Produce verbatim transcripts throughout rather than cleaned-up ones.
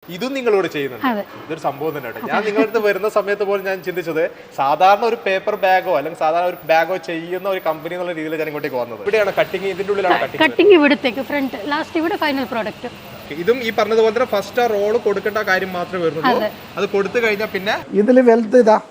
ഇതും നിങ്ങളോട് ചെയ്യുന്നുണ്ട്. ഇതൊരു സംഭവം തന്നെ കേട്ടോ. ഞാൻ നിങ്ങളുടെ അടുത്ത് വരുന്ന സമയത്ത് പോലും ഞാൻ ചിന്തിച്ചത് സാധാരണ ഒരു പേപ്പർ ബാഗോ അല്ലെങ്കിൽ സാധാരണ ഒരു ബാഗോ ചെയ്യുന്ന ഒരു കമ്പനി എന്നുള്ള രീതിയിൽ ഞാൻ ഇങ്ങോട്ടേക്ക് വന്നത്. ഇവിടെയാണ് കട്ടിങ്, ഇതിന്റെ ഉള്ളിലാണ് കട്ടിങ്. കട്ടിങ് ഇവിടത്തേക്ക് ഫ്രണ്ട് ലാസ്റ്റ് ഇവിടെ ഫൈനൽ പ്രോഡക്റ്റ്. ഇതും ഈ പറഞ്ഞതുപോലെ തന്നെ ഫസ്റ്റ് ആ റോള് കൊടുക്കേണ്ട കാര്യം മാത്രമേ വരുന്നുള്ളൂ. അത് കൊടുത്തു കഴിഞ്ഞാൽ പിന്നെ ഇതില് വെൽത്ത് ഇതാ.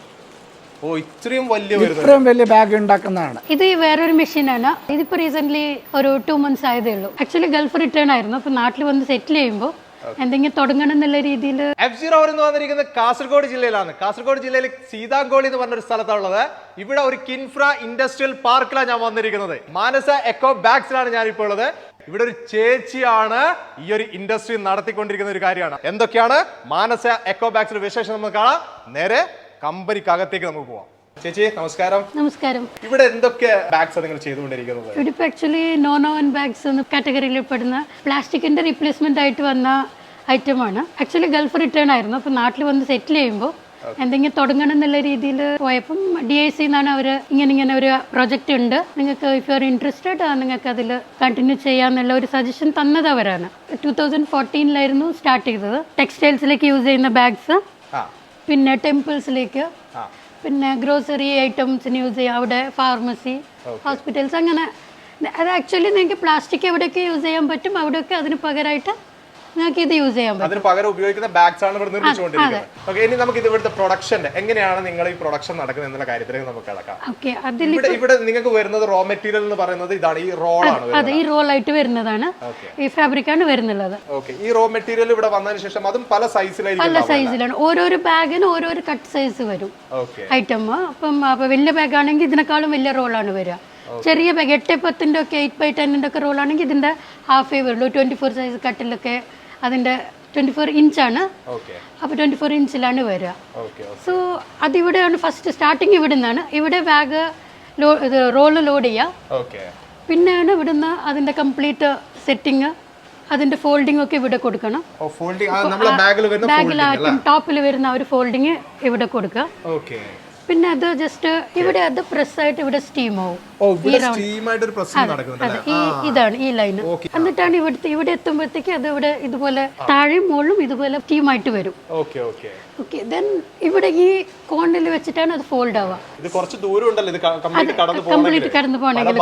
ഓ ഇത്രയും വലിയ ഇത്രയും വലിയ ബാഗ് ഉണ്ടാക്കുന്നതാണ്. ഇത് വേറൊരു മെഷീനാണ്. ഇതിപ്പോ റീസെന്റ് ഒരു ടു മന്ത്സ് ആയതേ ഉള്ളൂ. ആക്ച്വലി ഗൾഫ് റിട്ടേൺ ആയിരുന്നു. അപ്പൊ നാട്ടിൽ വന്ന് സെറ്റിൽ ചെയ്യുമ്പോൾ എന്തെങ്കിലും തുടങ്ങണം എന്നുള്ള രീതിയിൽ. എഫ് സീറോ എന്ന് വന്നിരിക്കുന്നത് കാസർഗോഡ് ജില്ലയിലാണ്. കാസർഗോഡ് ജില്ലയിൽ സീതാങ്കോളി എന്ന് പറഞ്ഞൊരു സ്ഥലത്താണുള്ളത്. ഇവിടെ ഒരു കിൻഫ്ര ഇൻഡസ്ട്രിയൽ പാർക്കിലാണ് ഞാൻ വന്നിരിക്കുന്നത്. മാനസ എക്കോ ബാഗ്സിലാണ് ഞാൻ ഇപ്പോൾ ഉള്ളത്. ഇവിടെ ഒരു ചേച്ചിയാണ് ഈ ഒരു ഇൻഡസ്ട്രി നടത്തിക്കൊണ്ടിരിക്കുന്ന ഒരു കാര്യമാണ്. എന്തൊക്കെയാണ് മാനസ എക്കോ ബാഗ്സിന്റെ വിശേഷം നമുക്ക് കാണാം. നേരെ കമ്പനിക്കകത്തേക്ക് നമുക്ക് പോവാം. ചേച്ചി നമസ്കാരം. നമസ്കാരം. ഇവിടെ എന്തൊക്കെ ബാഗ്സ് നിങ്ങൾ ചെയ്തുകൊണ്ടിരിക്കുന്നത്? ഇവിടെ ഇപ്പൊ ആക്ച്വലി നോൺ ഓവൻ ബാഗ്സ് എന്ന കാറ്റഗറിയിൽ പെടുന്ന പ്ലാസ്റ്റിക്കിന്റെ റീപ്ലേസ്മെന്റ് ആയിട്ട് വന്ന ഐറ്റമാണ്. ആക്ച്വലി ഗൾഫ് റിട്ടേൺ ആയിരുന്നു. അപ്പൊ നാട്ടിൽ വന്ന് സെറ്റിൽ ചെയ്യുമ്പോൾ എന്തെങ്കിലും തുടങ്ങണം എന്നുള്ള രീതിയിൽ പോയപ്പം ഡി ഐ സി എന്നാണ് അവർ ഇങ്ങനെ ഇങ്ങനെ ഒരു പ്രൊജക്റ്റ് ഉണ്ട്, നിങ്ങൾക്ക് ഇഫ് യു ആർ ഇൻട്രസ്റ്റഡ് നിങ്ങൾക്ക് അതിൽ കണ്ടിന്യൂ ചെയ്യാന്നുള്ള ഒരു സജഷൻ തന്നത് അവരാണ്. ടൂ തൗസൻഡ് ഫോർട്ടീനിലായിരുന്നു സ്റ്റാർട്ട് ചെയ്തത്. ടെക്സ്റ്റൈൽസിലേക്ക് യൂസ് ചെയ്യുന്ന ബാഗ്സ്, പിന്നെ ടെമ്പിൾസിലേക്ക്, പിന്നെ ഗ്രോസറി ഐറ്റംസിന് യൂസ് ചെയ്യാം. അവിടെ ഫാർമസി, ഹോസ്പിറ്റൽസ്, അങ്ങനെ. അത് ആക്ച്വലി നിങ്ങൾക്ക് പ്ലാസ്റ്റിക് എവിടെയൊക്കെ യൂസ് ചെയ്യാൻ പറ്റും അവിടെയൊക്കെ അതിന് പകരമായിട്ട് നിങ്ങൾക്ക് ഇത് യൂസ് ചെയ്യാൻ പറ്റും. അതിന് പകരം ഉപയോഗിക്കുന്ന ബാഗ്സ് ആണ് ഇവിടെ നിർമ്മിച്ചുകൊണ്ടിരിക്കുന്നത്. ഓക്കെ, ഇനി നമുക്ക് ഇത് ഇവിടുത്തെ പ്രൊഡക്ഷൻ എങ്ങനെയാണ് നിങ്ങൾ ഈ പ്രൊഡക്ഷൻ നടക്കുന്നത് എന്നുള്ള കാര്യത്തിലേക്ക് നമുക്ക് കിടക്കാം. ഓക്കെ, അതിൽ ഇവിടെ നിങ്ങൾക്ക് വരുന്നത് റോ മെറ്റീരിയൽ എന്ന് പറയുന്നത് ഇതാണ്, ഈ റോളാണ്. അതെ, ഈ റോൾ ആയിട്ട് വരുന്നതാണ്, ഈ ഫാബ്രിക് ആണ് വരുന്നുള്ളത്. ഓക്കെ, ഈ റോ മെറ്റീരിയൽ ഇവിടെ വന്നതിന് ശേഷം അതും പല സൈസിലായിരിക്കും. പല സൈസിലാണ്. ഓരോരോ ബാഗിന് ഓരോരോ കട്ട് സൈസ് വരും ഐറ്റം. അപ്പം അപ്പൊ വലിയ ബാഗ് ആണെങ്കിൽ ഇതിനേക്കാളും വലിയ റോളാണ് വരിക. ചെറിയ ബാഗ് എട്ട് പത്തിന്റെ ഒക്കെ എയ്റ്റ് ബൈ ടെന്നിന്റെ ഒക്കെ റോൾ ആണെങ്കിൽ ഇതിന്റെ ഹാഫേ വരുള്ളൂ. ട്വന്റി ഫോർ സൈസ് കട്ടിലൊക്കെ അതിന്റെ ട്വന്റി ഫോർ ഇഞ്ചാണ്. അപ്പോൾ ട്വന്റി ഫോർ ഇഞ്ചിലാണ് വരിക. സോ അതിവിടെയാണ് ഫസ്റ്റ് സ്റ്റാർട്ടിങ്. ഇവിടെ നിന്നാണ്. ഇവിടെ ബാഗ് റോള് ലോഡ് ചെയ്യുക. പിന്നെയാണ് ഇവിടുന്ന് അതിന്റെ കംപ്ലീറ്റ് സെറ്റിങ്, അതിന്റെ ഫോൾഡിംഗ് ഒക്കെ ഇവിടെ കൊടുക്കണം. ബാഗിലായിട്ടും ടോപ്പിൽ വരുന്ന ഒരു ഫോൾഡിങ് ഇവിടെ കൊടുക്കുക. പിന്നെ അത് ജസ്റ്റ് ഇവിടെ അത് പ്രസ് ആയിട്ട് ഇവിടെ സ്റ്റീം ആവും. ഇതാണ് ഈ ലൈന്. എന്നിട്ടാണ് ഇവിടുത്തെ ഇവിടെ എത്തുമ്പോഴത്തേക്ക് അത് ഇവിടെ ഇതുപോലെ താഴെയും മുകളിലും ഇതുപോലെ സ്റ്റീം ആയിട്ട് വരും. ഓക്കെ, ദെൻ ഇവിടെ ഈ കോണിൽ വെച്ചിട്ടാണ് അത് ഫോൾഡ് ആവുക. കംപ്ലീറ്റ് കടന്നു പോകണമെങ്കിൽ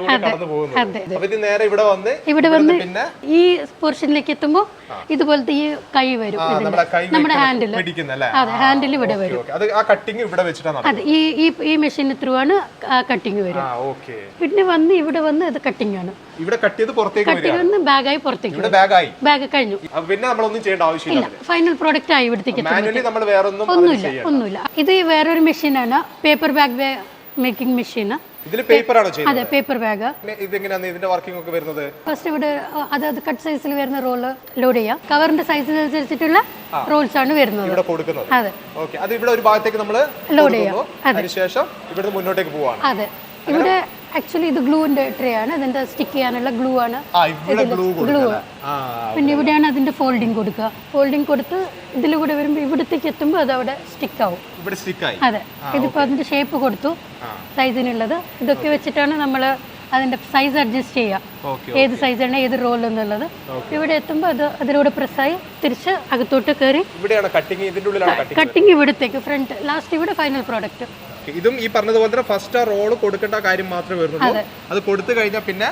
ഇവിടെ വന്ന് ഈ പോർഷനിലേക്ക് എത്തുമ്പോൾ ഇതുപോലത്തെ ഈ കൈ വരും നമ്മുടെ ഹാൻഡിൽ. അതെ, ഹാൻഡിൽ ഇവിടെ വരും. അതെ, ഈ ഈ മെഷീൻ ത്രൂ ആണ് കട്ടിങ് വരും. പിന്നെ വന്ന് ഇവിടെ വന്ന് അത് കട്ടിങ് ആണ്. ഇവിടെ കട്ട് ചെയ്ത് പുറത്തേക്ക് വന്ന് ബാഗായി പുറത്തേക്ക്. ബാഗ് കഴിഞ്ഞു. പിന്നെ നമ്മളൊന്നും ചെയ്യേണ്ട ആവശ്യമില്ല. ഫൈനൽ പ്രോഡക്റ്റ് ആയി ഇവിടത്തേക്ക്. ഒന്നുമില്ല ഒന്നുമില്ല ഇത് വേറൊരു മെഷീനാണ്, പേപ്പർ ബാഗ് മേക്കിംഗ് മെഷീൻ. ഇതിൽ പേപ്പർ ആണോ ചെയ്യുന്നത്? അതെ, പേപ്പർ ബാഗ്. ഇതെങ്ങനെയാണ് ഇതിന്റെ വർക്കിംഗ് ഒക്കെ വരുന്നത്? ഫസ്റ്റ് ഇവിടെ അതായത് കട്ട് സൈസിൽ വരുന്ന റോള് ലോഡ് ചെയ്യാം. കവറിന്റെ സൈസിനനുസരിച്ചിട്ടുള്ള റോൾസ് ആണ് വരുന്നത് ഇവിടെ കൊടുക്കുന്നത്. അതെ, ഓക്കേ. അത് ഇവിടെ ഒരു ഭാഗത്തേക്ക് നമ്മൾ ലോഡ് ചെയ്യാം. അതിനുശേഷം ഇവിടുന്ന് മുന്നോട്ടേക്ക് പോവാണ്. അതെ, ഇവിടെ ആക്ച്വലി ഇത് ഗ്ലൂവിന്റെ ട്രേ ആണ്. ഇതിന്റെ സ്റ്റിക്ക് ചെയ്യാനുള്ള ഗ്ലൂ ആണ്. ഗ്ലൂ. പിന്നെ ഇവിടെയാണ് അതിന്റെ ഫോൾഡിങ് കൊടുക്കുക. ഫോൾഡിങ് കൊടുത്ത് ഇതിലൂടെ വരുമ്പോൾ ഇവിടത്തേക്ക് എത്തുമ്പോൾ അത് അവിടെ സ്റ്റിക്ക് ആവും. അതെ, ഇതിപ്പോ അതിന്റെ ഷേപ്പ് കൊടുത്തു സൈസിനുള്ളത്. ഇതൊക്കെ വെച്ചിട്ടാണ് നമ്മൾ അതിന്റെ സൈസ് അഡ്ജസ്റ്റ് ചെയ്യുക, ഏത് സൈസാണ് ഏത് റോൾ എന്നുള്ളത്. ഇവിടെ എത്തുമ്പോൾ അത് അതിലൂടെ പ്രസ്സായി തിരിച്ച് അകത്തോട്ട് കയറി കട്ടിങ് ഇവിടത്തേക്ക് ഫ്രണ്ട് ലാസ്റ്റ് ഇവിടെ ഫൈനൽ പ്രോഡക്റ്റ്. ഇതും ഈ പറഞ്ഞതുപോലെ തന്നെ ഫസ്റ്റ് ആ റോള് കൊടുക്കേണ്ട കാര്യം മാത്രമേ വരുന്നുള്ളൂ. അത് കൊടുത്തു കഴിഞ്ഞാൽ പിന്നെ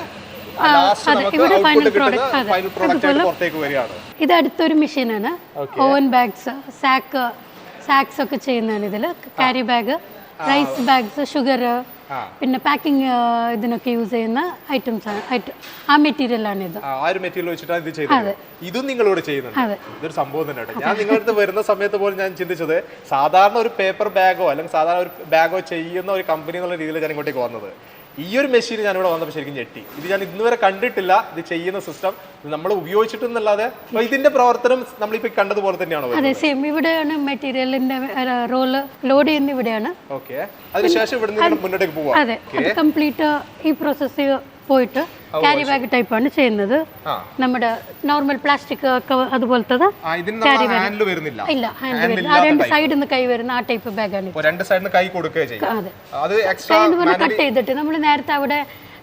ഇത് അടുത്തൊരു മെഷീനാണ്. ഓവൻ ബാഗ്സ്, സാക്ക് സാക്സ് ഒക്കെ ചെയ്യുന്നതാണ് ഇതില്. Carry bag, rice bags, sugar, പിന്നെ പാക്കിംഗ് ഇതിനൊക്കെ യൂസ് ചെയ്യുന്ന ഐറ്റംസ് ആണ്. ആ മെറ്റീരിയൽ ആണ് ഇത്. ഇതും നിങ്ങളോട് ചെയ്യുന്നത് ഇതൊരു സംഭവം തന്നെ. ഞാൻ നിങ്ങളുടെ അടുത്ത് വരുന്ന സമയത്ത് പോലും ഞാൻ ചിന്തിച്ചത് സാധാരണ ഒരു പേപ്പർ ബാഗോ അല്ലെങ്കിൽ സാധാരണ ഒരു ബാഗോ ചെയ്യുന്ന ഒരു കമ്പനി എന്നുള്ള രീതിയിൽ ഞാൻ ഇങ്ങോട്ടേക്ക് വന്നത്. ഈ ഒരു മെഷീൻ ഞാൻ ഇവിടെ വന്നപ്പോൾ ശരിക്കും ഞെട്ടി. ഇത് ഞാൻ ഇന്നുവരെ കണ്ടിട്ടില്ല. ഇത് ചെയ്യുന്ന സിസ്റ്റം നമ്മൾ ഉപയോഗിച്ചിട്ടൊന്നല്ലാതെ ഇതിന്റെ പ്രവർത്തനം നമ്മളിപ്പോ കണ്ടതുപോലെ തന്നെയാണോ? അതെ, സെയിം. ഇവിടെയാണ് മെറ്റീരിയലിന്റെ റോള് ലോഡ് ചെയ്യുന്ന ഇവിടെയാണ്. ഓക്കെ, അതിനുശേഷം ഇവിടെ മുന്നോട്ടേക്ക് പോവാം. അതെ, കംപ്ലീറ്റ് ഈ പ്രോസസ് പോയിട്ട് ക്യാരി ബാഗ് ടൈപ്പ് ആണ് ചെയ്യുന്നത്. നമ്മുടെ നോർമൽ പ്ലാസ്റ്റിക് അതുപോലത്തത് ക്യാരി ബാഗ് ഇല്ല, ഹാൻഡിൽ വരില്ല. ആ രണ്ട് സൈഡിൽ നിന്ന് കൈ വരുന്ന ആ ടൈപ്പ് ബാഗാണ്. രണ്ട് സൈഡിൽ നിന്ന് കൈ കൊടുക്കുകയും ചെയ്യും. അതെ, കട്ട് ചെയ്തിട്ട് നമ്മൾ നേരത്തെ അവിടെ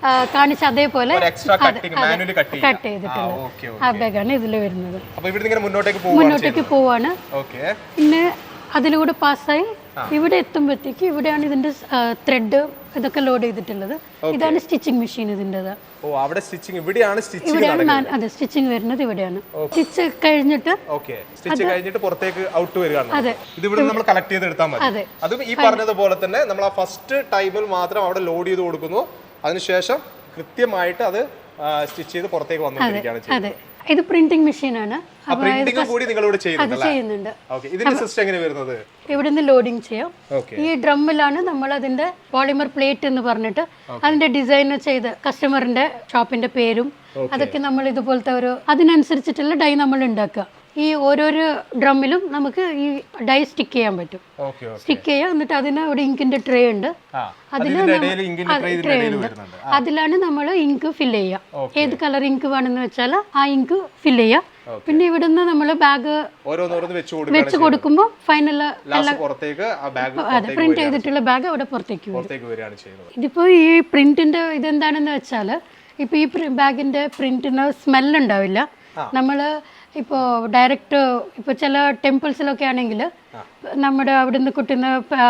ആ, കാണിച്ച അതേപോലെ എക്സ്ട്രാ കട്ടിങ് മാനുവലി കട്ട് ചെയ്യാം. കട്ട് ചെയ്തിട്ടുള്ളത് ഓക്കേ ആ ബാഗാണ് ഇതിൽ വരുന്നത്. അപ്പോൾ ഇവിടുന്ന് ഇങ്ങനെ മുന്നോട്ടേക്ക് പോവാണ്. മുന്നോട്ടേക്ക് പോവാണ്. ഓക്കേ. പിന്നെ അതിലൂടെ പാസ്സായി ഇവിടെ എത്തുമ്പോഴത്തേക്ക് ഇവിടെയാണ് ഇതിന്റെ ത്രെഡ് ഇതൊക്കെ ലോഡ് ചെയ്തിട്ടുള്ളത്. ഇതാണ് സ്റ്റിച്ചിങ് മെഷീൻ ഇതിൻ്റെത്. ഓ അവിടെ സ്റ്റിച്ചിങ് ഇവിടെയാണ് സ്റ്റിച്ചിങ് ഇവിടെയാണ് മാൻ- അതെ സ്റ്റിച്ചിങ് വരുന്നത് ഇവിടെയാണ്. സ്റ്റിച്ച് കഴിഞ്ഞിട്ട് ഓക്കേ സ്റ്റിച്ച് കഴിഞ്ഞിട്ട് പുറത്തേക്ക് ഔട്ട് വരികയാണ്. അതെ. ഇത് ഇവിടെ നമ്മൾ കളക്ട് ചെയ്ത് എടുത്താൽ മതി. അതെ. അതും ഈ പറഞ്ഞതുപോലെ തന്നെ നമ്മൾ ആ ഫസ്റ്റ് ടൈമിൽ മാത്രം അവിടെ ലോഡ് ചെയ്ത് കൊടുക്കുന്നു. അതിനുശേഷം കൃത്യമായിട്ട് അത് സ്റ്റിച്ച് ചെയ്ത് പുറത്തേക്ക് വന്നുകൊണ്ടിരിക്കുകയാണ് ചെയ്യുന്നത്. അതെ ഇത് പ്രിന്റിംഗ് മെഷീനാണ്. ആ പ്രിന്റിംഗ് കൂടി നിങ്ങൾ ഇവിടെ അത് ചെയ്യുന്നുണ്ടല്ലേ? ചെയ്യുന്നുണ്ട്. ഓക്കേ. ഇതിന്റെ സിസ്റ്റം എങ്ങനെ വരുന്നത്? ഇവിടെ നിന്ന് ലോഡിങ് ചെയ്യാം. ഓക്കേ. ഈ ഡ്രമ്മിലാണ് നമ്മൾ അതിന്റെ പോളിമർ പ്ലേറ്റ് എന്ന് പറഞ്ഞിട്ട് അതിന്റെ ഡിസൈൻ ചെയ്ത് കസ്റ്റമറിന്റെ ഷോപ്പിന്റെ പേരും അതൊക്കെ നമ്മൾ ഇതുപോലത്തെ ഒരു അതിനനുസരിച്ചിട്ടുള്ള ഡൈ നമ്മൾ ഉണ്ടാക്കുക. ഈ ഓരോരോ ഡ്രമ്മിലും നമുക്ക് ഈ ഡൈ സ്റ്റിക്ക് ചെയ്യാൻ പറ്റും. ഓക്കേ. സ്റ്റിക്ക് ചെയ്യാം. എന്നിട്ട് അതിന് ഒരു ഇങ്കിന്റെ ട്രേ ഉണ്ട്. ആ അതിൽ ഇതിന്റെ ഇടയിൽ ഇങ്കിന്റെ ട്രേ ഇതിന്റെ ഇടയിൽ വരുന്നുണ്ട്. അതിലാണ് നമ്മൾ ഇങ്ക് ഫില്ല് ചെയ്യുക. ഏത് കളർ ഇങ്ക് വേണമെന്ന് വെച്ചാൽ ആ ഇങ്ക് ഫില്ല് ചെയ്യുക. പിന്നെ ഇവിടുന്ന് നമ്മൾ ബാഗ് ഓരോന്നോരോന്ന് വെച്ച് കൊടുക്കുക. വെച്ച് കൊടുക്കുമ്പോൾ ഫൈനൽ ലാസ്റ്റ് പുറത്തേക്ക് ആ ബാഗ് അതെ പ്രിന്റ് ചെയ്തിട്ടുള്ള ബാഗ് അവിടെ പുറത്തേക്ക് വരും. പുറത്തേക്ക് വരികയാണ് ചെയ്യുന്നത്. ഇതിപ്പോൾ ഈ പ്രിന്റിന്റെ ഇതെന്താണെന്ന് വെച്ചാൽ ഇപ്പോൾ ഈ ബാഗിന്റെ പ്രിന്റിന് സ്മെല്ല് ഉണ്ടാവില്ല. നമ്മൾ ഇപ്പോൾ ഡയറക്റ്റ് ഇപ്പോൾ ചില ടെമ്പിൾസിലൊക്കെ ആണെങ്കിൽ നമ്മുടെ അവിടുന്ന് കിട്ടുന്ന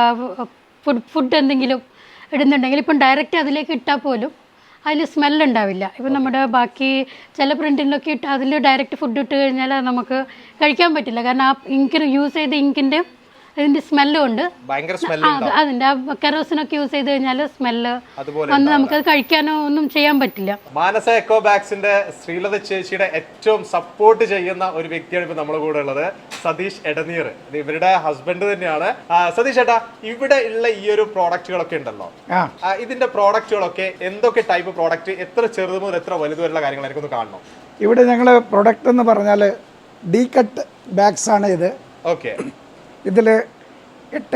ഫുഡ് ഫുഡ് എന്തെങ്കിലും ഇടുന്നുണ്ടെങ്കിൽ ഇപ്പം ഡയറക്റ്റ് അതിലേക്ക് ഇട്ടാൽ പോലും അതിൽ സ്മെല്ല് ഉണ്ടാവില്ല. ഇപ്പം നമ്മുടെ ബാക്കി ചില പ്രിൻറ്റിലൊക്കെ ഇട്ട് അതിൽ ഡയറക്റ്റ് ഫുഡ് ഇട്ട് കഴിഞ്ഞാൽ നമുക്ക് കഴിക്കാൻ പറ്റില്ല. കാരണം ആ ഇങ്കിന് യൂസ് ചെയ്ത ഇങ്കിൻ്റെ അതിൻ്റെ സ്മെല്ലും ഉണ്ട്. ഭയങ്കര സ്മെല്ല് ആ, അതിൻ്റെ ആ കെറോസിനൊക്കെ യൂസ് ചെയ്ത് കഴിഞ്ഞാൽ സ്മെല്ല് വന്ന് നമുക്കത് കഴിക്കാനോ ഒന്നും ചെയ്യാൻ പറ്റില്ല. മാനസ എക്കോ ബാഗ്സിന്റെ ശ്രീലത ചേച്ചിയുടെ ഏറ്റവും സപ്പോർട്ട് ചെയ്യുന്ന ഒരു വ്യക്തിയാണ് ഇപ്പൊ നമ്മുടെ കൂടെ ഉള്ളത്, സതീഷ് എടനീർ. ഇത് ഇവരുടെ ഹസ്ബൻഡ് തന്നെയാണ്. ആ, സതീഷ് ഏട്ടാ, ഇവിടെ ഉള്ള ഈ ഒരു പ്രോഡക്റ്റുകളൊക്കെ ഉണ്ടല്ലോ, ആ, ഇതിന്റെ പ്രോഡക്റ്റുകളൊക്കെ എന്തൊക്കെ ടൈപ്പ് പ്രോഡക്റ്റ്, എത്ര ചെറുത് മുതൽ എത്ര വലുത് വരെയുള്ള കാര്യങ്ങളായിരിക്കും ഒന്ന് കാണണം. ഇവിടെ ഞങ്ങൾ പ്രൊഡക്റ്റ് എന്ന് പറഞ്ഞാൽ ഡി കട്ട് ബാഗ്സ് ആണ് ഇത്. ഓക്കെ. ഇതിൽ എട്ട്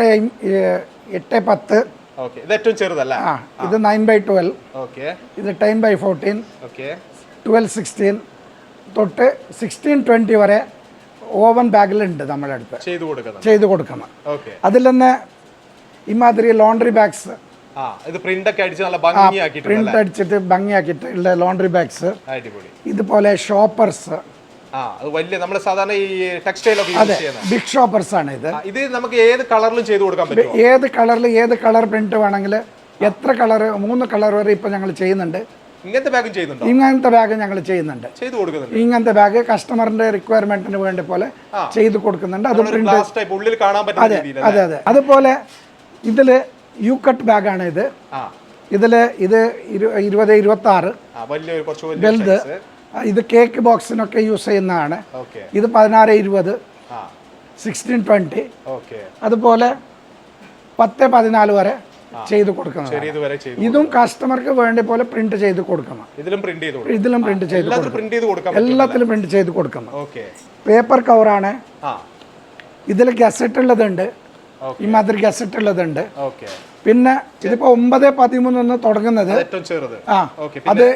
എട്ട് പത്ത്. ഓക്കെ. ഇത് ഏറ്റവും ചെറുതല്ല. ആ ഇത് നയൻ ബൈ ട്വൽവ്. ഓക്കെ. ഇത് ten by fourteen. Okay. Twelve sixteen തൊട്ട് സിക്സ്റ്റീൻ ട്വൻറ്റി വരെ ഓവൻ ബാഗിലുണ്ട് നമ്മുടെ അടുത്ത് ചെയ്തു കൊടുക്കുന്നത്. ചെയ്ത് കൊടുക്കുന്നത്. ഓക്കെ. അതിൽ തന്നെ ഇമാതിരി ലോണ്ടറി ബാഗ്സ്, ആ ഇത് പ്രിന്റ് ഒക്കെ അടിച്ച് നല്ല ഭംഗിയാക്കിയിട്ടുണ്ട്. പ്രിന്റ് അടിച്ചിട്ട് ഭംഗിയാക്കിയിട്ട് ഉള്ള ലോണ്ടറി ബാഗ്സ്. അടിപൊളി. ഇതുപോലെ ഷോപ്പേഴ്സ്. ആ അത് വലിയ നമ്മൾ സാധാരണ ഈ ടെക്സ്റ്റൈൽ ഒക്കെ യൂസ് ചെയ്യുന്ന ബിഗ് ഷോപ്പേഴ്സ് ആണ് ഇത്. ഇത് നമുക്ക് ഏത് കളറിലും ചെയ്തു കൊടുക്കാൻ പറ്റും. ഏത് കളറിൽ ഏത് കളർ പ്രിന്റ് വേണമെങ്കിൽ എത്ര കളർ, മൂന്ന് കളർ വരെ ഇപ്പൊ ഞങ്ങൾ ചെയ്യുന്നുണ്ട്. ഇങ്ങനത്തെ ബാഗും ചെയ്യുന്നുണ്ടോ? ഇങ്ങനത്തെ ബാഗ് ഞങ്ങൾ ചെയ്യുന്നുണ്ട്. ചെയ്തു കൊടുക്കുന്നുണ്ട്. ഇങ്ങനത്തെ ബാഗ് കസ്റ്റമറിന്റെ റിക്വയർമെന്റിന് വേണ്ടി പോലെ ചെയ്ത് കൊടുക്കുന്നുണ്ട്. അത് പ്രിന്റ് ഗ്ലാസ് ടൈപ്പ് ഉള്ളിൽ കാണാൻ പറ്റുന്ന രീതിയിൽ. അതെ അതെ. അതുപോലെ ഇതില് യു കട്ട് ബാഗാണ് ഇത്. ആ ഇതില് ഇത് ഇരുപത് ഇരുപത്തി ആറ് ആ വലിയ കുറച്ച് വലിയ വലുത്. ഇത് കേക്ക് ബോക്സിനൊക്കെ യൂസ് ചെയ്യുന്നതാണ്. ഓക്കേ. ഇത് പതിനാറ് ഇരുപത്, ആ സിക്സ്റ്റീൻ ട്വന്റി. ഓക്കേ. അതുപോലെ പത്ത് പതിനാല് വരെ ചെയ്ത് കൊടുക്കണം. ചെറിയത് വരെ ചെയ്തു. ഇതും കസ്റ്റമർക്ക് വേണ്ടി പോലെ പ്രിന്റ് ചെയ്ത് കൊടുക്കണം. ഇതിലും പ്രിന്റ് ചെയ്തു കൊടുക്കണം. ഇതിലും പ്രിന്റ് ചെയ്ത് എല്ലാത്തിലും പ്രിന്റ് ചെയ്ത് കൊടുക്കാൻ പറ്റും. എല്ലാത്തിലും പ്രിന്റ് ചെയ്ത് കൊടുക്കണം. ഓക്കേ. പേപ്പർ കവറാണ്. ആ ഇതിൽ ഗസറ്റ് ഉള്ളതുണ്ട്, ഇമാതിരി ഗസറ്റ് ഉള്ളതുണ്ട്. ഓക്കേ. പിന്നെ ഇതിപ്പോ ഒമ്പത് പതിമൂന്ന് തുടങ്ങുന്നത്. ഏറ്റവും ചെറുത്. ആ അത്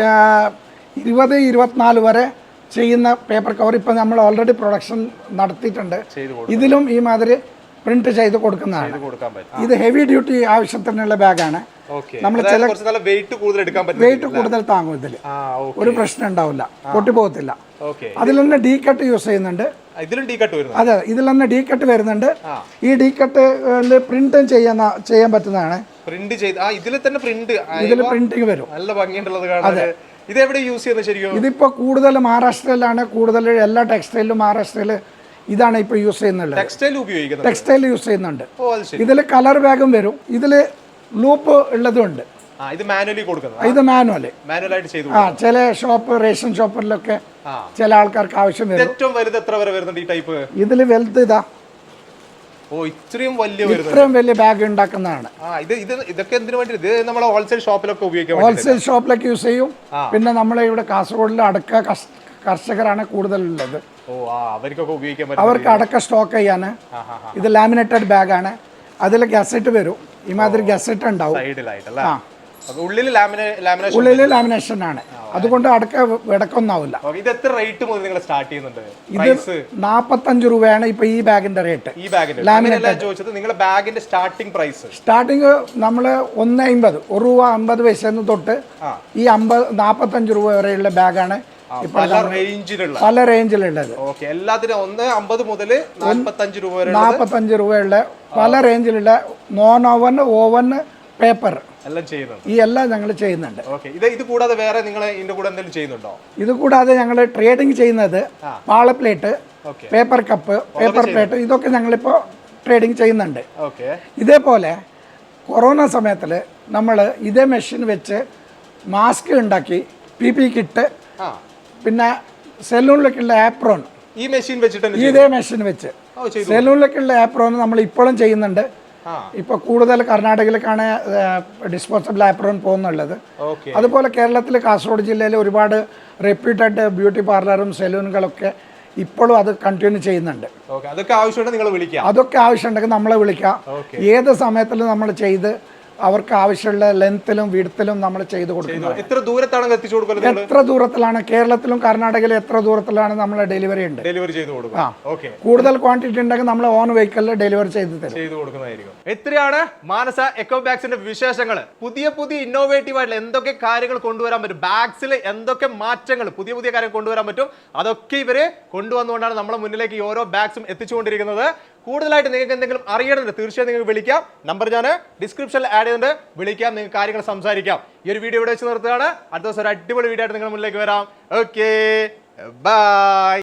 ഇരുപത് ഇരുപത്തിനാല് വരെ ചെയ്യുന്ന പേപ്പർ കവർ ഇപ്പൊ നമ്മൾ ഓൾറെഡി പ്രൊഡക്ഷൻ നടത്തിയിട്ടുണ്ട്. ഇതിലും ഈ മാതിരി പ്രിന്റ് ചെയ്ത് കൊടുക്കുന്നതാണ്. ഇത് ഹെവി ഡ്യൂട്ടി ആവശ്യത്തിനുള്ള ബാഗാണ്. നമ്മൾ ചില വെയിറ്റ് കൂടുതൽ എടുക്കാൻ പറ്റും. വെയിറ്റ് കൂടുതൽ താങ്ങും. ഇതിൽ ഒരു പ്രശ്നം ഉണ്ടാവില്ല, പൊട്ടിപ്പോകത്തില്ല. അതിൽ തന്നെ ഡി കട്ട് യൂസ് ചെയ്യുന്നുണ്ട്. അതെ, ഇതിൽ തന്നെ ഡി കട്ട് വരുന്നുണ്ട്. ഈ ഡി കട്ട് പ്രിന്റ് ചെയ്യുന്ന ചെയ്യാൻ പറ്റുന്നതാണ്. പ്രിന്റ് ചെയ്ത് ഇതിൽ തന്നെ പ്രിന്റ് ഇതിൽ പ്രിന്റിങ് വരും. നല്ല ഭംഗിയുള്ളത് കാണാൻ. ഇത് എവിടെ യൂസ് ചെയ്യുന്നത് ശരിക്കും? ഇതിപ്പോ കൂടുതൽ മഹാരാഷ്ട്രയിലാണ്. കൂടുതൽ എല്ലാ ടെക്സ്റ്റൈലിലും മഹാരാഷ്ട്രയിൽ ഇതാണ് ഇപ്പൊ യൂസ് ചെയ്യുന്നത്. ടെക്സ്റ്റൈൽ ഉപയോഗിക്കുന്നത്. ടെക്സ്റ്റൈൽ യൂസ് ചെയ്യുന്നുണ്ട്. ഇതിൽ കളർ ബാഗും വരും. ഇതില് ലൂപ്പ് ഉള്ളതുണ്ട്. ഇത് മാനുവലി കൊടുക്കുന്നത്. ഇത് മാനുവല് മാനുവലായിട്ട് ചെയ്തു. ആ ചില ഷോപ്പ് റേഷൻ ഷോപ്പിലൊക്കെ ചില ആൾക്കാർക്ക് ആവശ്യം വരും. ഏറ്റവും വലുത് എത്ര വരെ വരുന്നുണ്ട് ഈ ടൈപ്പ്? ഇതിൽ വലുത് ഇതാ. ഓ ഇത്രയും വലിയ ഇത്രയും വലിയ ബാഗ് ഉണ്ടാക്കുന്നതാണ്. ഇത് ഇത് ഇതൊക്കെ എന്തിനു വേണ്ടി? ഇത് നമ്മളെ ഹോൾസെയിൽ ഷോപ്പിലൊക്കെ ഉപയോഗിക്കാം. ഹോൾസെയിൽ ഷോപ്പിലൊക്കെ യൂസ് ചെയ്യും. പിന്നെ നമ്മളെ ഇവിടെ കാസർഗോഡിൽ അടക്ക കർഷകരാണ് കൂടുതലുള്ളത്. ഓ ആ അവർക്കൊക്കെ ഉപയോഗിക്കാൻ പറ്റും. അവർക്ക് അടക്ക സ്റ്റോക്ക് ചെയ്യാന്. ഇത് ലാമിനേറ്റഡ് ബാഗാണ്. അതിൽ ഗസറ്റ് വരും. ഇമാതിരി ഗസറ്റ് ഉണ്ടാവും. സൈഡിലായിട്ടല്ലേ? ആ ഉള്ളിൽ ലാമിനേഷൻ ഉള്ളിൽ ലാമിനേഷൻ ആണ്, അതുകൊണ്ട് അടക്ക വിടക്കൊന്നാവില്ല. ഇത് എത്ര റേറ്റ് മുതൽ നിങ്ങൾ സ്റ്റാർട്ട് ചെയ്യുന്നുണ്ട്? ഇത് നാപ്പത്തഞ്ച് രൂപയാണ് ഇപ്പൊ ഈ ബാഗിന്റെ റേറ്റ്. ഈ ബാഗിന്റെ ചോദിച്ചത് നിങ്ങളുടെ ബാഗിന്റെ സ്റ്റാർട്ടിംഗ് പ്രൈസ്. സ്റ്റാർട്ടിങ് നമ്മള് ഒന്ന് അമ്പത് ഒരു രൂപ അമ്പത് പൈസന്ന് തൊട്ട് ഈ അമ്പത് നാപ്പത്തഞ്ച് രൂപ വരെയുള്ള ബാഗാണ് പല റേഞ്ചിലുള്ള പല റേഞ്ചിലുള്ളത്. എല്ലാത്തിനും ഒന്ന് അമ്പത് മുതൽ നാൽപ്പത്തഞ്ച് രൂപ വരെ നാപ്പത്തഞ്ച് രൂപയുള്ള പല റേഞ്ചിലുള്ള നോൺ ഓവൻ ഓവൻ പേപ്പർ എല്ലാം ചെയ്യുന്നുണ്ട്. ഈ എല്ലാം ഞങ്ങൾ ചെയ്യുന്നുണ്ട്. ഇത് ഇത് കൂടാതെ വേറെ നിങ്ങൾ ഇതിന്റെ കൂടെ എന്തെങ്കിലും ചെയ്യുന്നുണ്ടോ? ഇത് കൂടാതെ ഞങ്ങൾ ട്രേഡിംഗ് ചെയ്യുന്നത് പാള plate, paper cup, paper plate ഇതൊക്കെ ഞങ്ങളിപ്പോ ട്രേഡിംഗ് ചെയ്യുന്നുണ്ട്. ഇതേപോലെ കൊറോണ സമയത്തിൽ നമ്മൾ ഇതേ മെഷീൻ വെച്ച് മാസ്ക് ഉണ്ടാക്കി, പി പി കിറ്റ്, പിന്നെ സെലൂണിലേക്കുള്ള ആപ്രോൺ ഈ മെഷീൻ വെച്ചിട്ട് ഇതേ മെഷീൻ വെച്ച് സെലൂണിലേക്കുള്ള ആപ്രോൺ നമ്മൾ ഇപ്പോഴും ചെയ്യുന്നുണ്ട്. ഇപ്പൊ കൂടുതൽ കർണാടകയിലേക്കാണ് ഡിസ്പോസബിൾ ആപ്രോൺ പോകുന്നുള്ളത്. അതുപോലെ കേരളത്തിൽ കാസർഗോഡ് ജില്ലയിൽ ഒരുപാട് റെപ്യൂട്ടഡ് ബ്യൂട്ടി പാർലറും സെലൂണുകളൊക്കെ ഇപ്പോഴും അത് കണ്ടിന്യൂ ചെയ്യുന്നുണ്ട്. അതൊക്കെ ആവശ്യമുണ്ടെങ്കിൽ നിങ്ങൾ വിളിക്കാം. അതൊക്കെ ആവശ്യമുണ്ടെങ്കിൽ നമ്മളെ വിളിക്കാം. ഏത് സമയത്തിലും നമ്മൾ ചെയ്ത് അവർക്ക് ആവശ്യമുള്ള ലെങ്ത്തിലും വിഡ്ത്തിലും നമ്മൾ ചെയ്തു കൊടുക്കുന്നത്. എത്ര ദൂരത്താണ് എത്തിച്ചു കൊടുക്കുന്നത്? എത്ര ദൂരത്തിലാണ് കേരളത്തിലും കർണാടകയിലും എത്ര ദൂരത്തിലാണ് നമ്മൾ ഡെലിവറി ഉണ്ട്. ഡെലിവറി ചെയ്തു കൊടുക്കും. കൂടുതൽ ക്വാണ്ടിറ്റി ഉണ്ടെങ്കിൽ നമ്മൾ ഓൺ വെഹിക്കലിൽ ഡെലിവറി ചെയ്ത് തരും. ചെയ്തു കൊടുക്കുന്നതായിരിക്കും. എത്രയാണ് മാനസ എക്കോ ബാഗ്സിന്റെ വിശേഷങ്ങൾ. പുതിയ പുതിയ ഇന്നോവേറ്റീവ് ആയിട്ടുള്ള എന്തൊക്കെ കാര്യങ്ങൾ കൊണ്ടുവരാൻ പറ്റും, ബാഗ്സിൽ എന്തൊക്കെ മാറ്റങ്ങൾ പുതിയ പുതിയ കാര്യം കൊണ്ടുവരാൻ പറ്റും, അതൊക്കെ ഇവര് കൊണ്ടുവന്നുകൊണ്ടാണ് നമ്മുടെ മുന്നിലേക്ക് ഈ ഓരോ ബാഗ്സും എത്തിച്ചുകൊണ്ടിരിക്കുന്നത്. കൂടുതലായിട്ട് നിങ്ങൾക്ക് എന്തെങ്കിലും അറിയണമെന്ന് തീർച്ചയായും നിങ്ങൾക്ക് വിളിക്കാം. നമ്പർ ഞാൻ ഡിസ്ക്രിപ്ഷനിൽ ആഡ് ചെയ്തിട്ടുണ്ട്, വിളിക്കാം, നിങ്ങൾക്ക് കാര്യങ്ങൾ സംസാരിക്കാം. ഈ ഒരു വീഡിയോ ഇവിടെ വെച്ച് നിർത്തുകയാണ്. അടുത്ത ദിവസം ഒരു അടിപൊളി വീഡിയോ ആയിട്ട് നിങ്ങളുടെ മുന്നിലേക്ക് വരാം. Okay, by.